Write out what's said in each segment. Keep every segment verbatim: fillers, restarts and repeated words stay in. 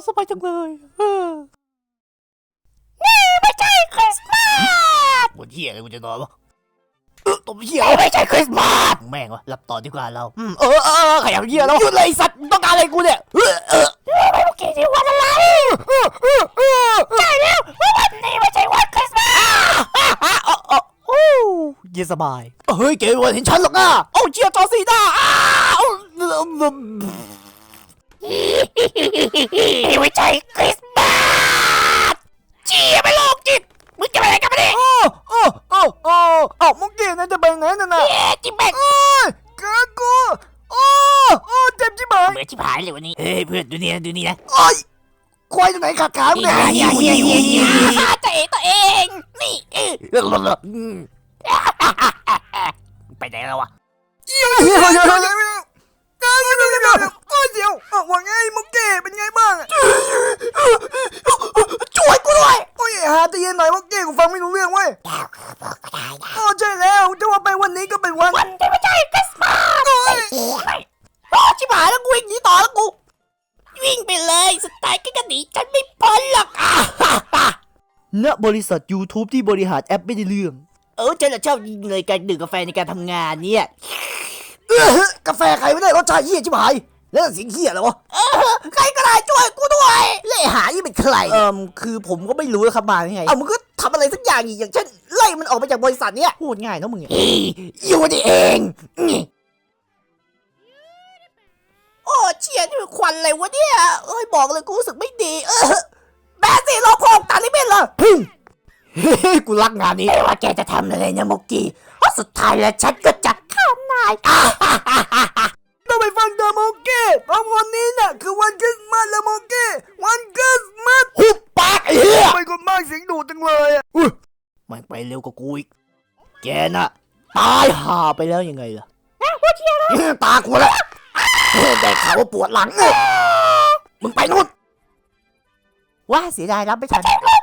สบายจังเลยนี่ไม่ใช่คริสต์มาสวันเหี้ยอะไรกูจะนอนวะเออตัวเหี้ยไม่ใช่คริสต์มาสแม่งวะรับต่อดีกว่าเราอืมเออเออขยับเหี้ยแล้วหยุดเลยสัตว์ต้องการอะไรกูเนี่ยเออเออไม่รู้กี่ที่วันอะไรใช่แล้ววันนี้ไม่ใช่วันคริสต์มาสโอ้เย็นสบายเฮ้ยเกย์วันเห็นฉันหรอกนะโอ้เจียจอซีด้าไม่ใช่คริสต์มาสเจียไม่โลกจิตมึงจะไปไหนกันมาดิโอ้โอ้โอ้โอ้เอ้ามุกกี้นั่นจะไปไหนนั่นน่ะเอ๊ะจิบแบกโอ้ยกากูโอ้โอ้เจ็บจิบหายเบื่อจิบหายเลยวันนี้เฮ้ยเพื่อนดูนี่นะดูนี่นะโอ้ยควายตัวไหนขาดขาเนี่ยตัวเองตัวเองนี่ไปไหนแล้ววะเดี๋ยวเดี๋ยวเดี๋ยวเดี๋ยวเดี๋ยวโอ้ยเดี๋ยวว่าไงมุกเก้เป็นไงบ้างช่วยกูด้วยโอ้ยหาตะเย็นหน่อยมุกเก้กูฟังไม่รู้เรื่องเว้ยแล้วคือบอกก็ได้นะอ๋อใช่แล้วจะว่าไปวันนี้ก็เป็นวันวันที่ไม่ใช่คริสต์มาสโอ้ยโอ้ชิบหายแล้วกูวิ่งหนีต่อแล้วกูวิ่งไปเลยสไตล์ก็หนีฉันไม่พ้นหรอกณบริษัท YouTube ที่บริหารแอปไม่ได้เรื่องเออฉันชอบยิงเลยการดื่มกาแฟในการทำงานเนี่ยเออกาแฟใครไม่ได้รสชาติเหี้ยชิบหายแล้วเสียงเหี้ยอะไรวะเออใครก็ได้ช่วยกูด้วยเล่หายี่เป็นใครเอ่อคือผมก็ไม่รู้นะครับมาไงเอามึงก็ทำอะไรสักอย่างอีกอย่างเช่นไล่มันออกไปจากบริษัทเนี้ยพูดง่ายนะมึงอยู่นี่เองโอ้เชี่ยนี่มันควันอะไรวะเนี่ยเอ้ยบอกเลยกูรู้สึกไม่ดีเออแบสซี่เราพกตาลิเบนเหรอกูรักงานนี้ว่าแกจะทำอะไรนะมุกกี้เพราะสุดท้ายแล้วฉันก็จะฆ่านายต้องไปฟังเดอะมุกกี้เพราะวันนี้น่ะคือวันคริสต์มาสแล้วมุกกี้วันคริสต์มาสหุบปากไอ้เหี้ยไปคนมากเสียงดูจังเลยอ่ะอุ้ยมันไปเร็วกว่ากูอีกแกน่ะตายห่าไปแล้วยังไงล่ะพูดเชี่ยแล้วตากูแล้วได้ข่าวว่าปวดหลังมึงไปนู่นว่าเสียดายรับไม่ทัน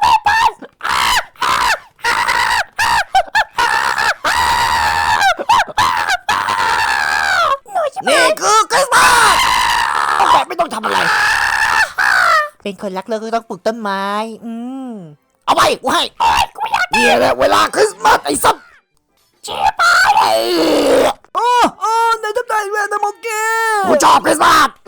นี่คือคริสต์มาสแบบไม่ต้องทำอะไรเป็นคนรักโลกก็ต้องปลูกต้นไม้อืมเอาไปกูให้เนี่ยแหละเวลาคริสต์มาสไอ้สัตว์เจี๊ยบไปโอ้โอ้ในทับใจเวทมนต์กูชอบคริสต์มาส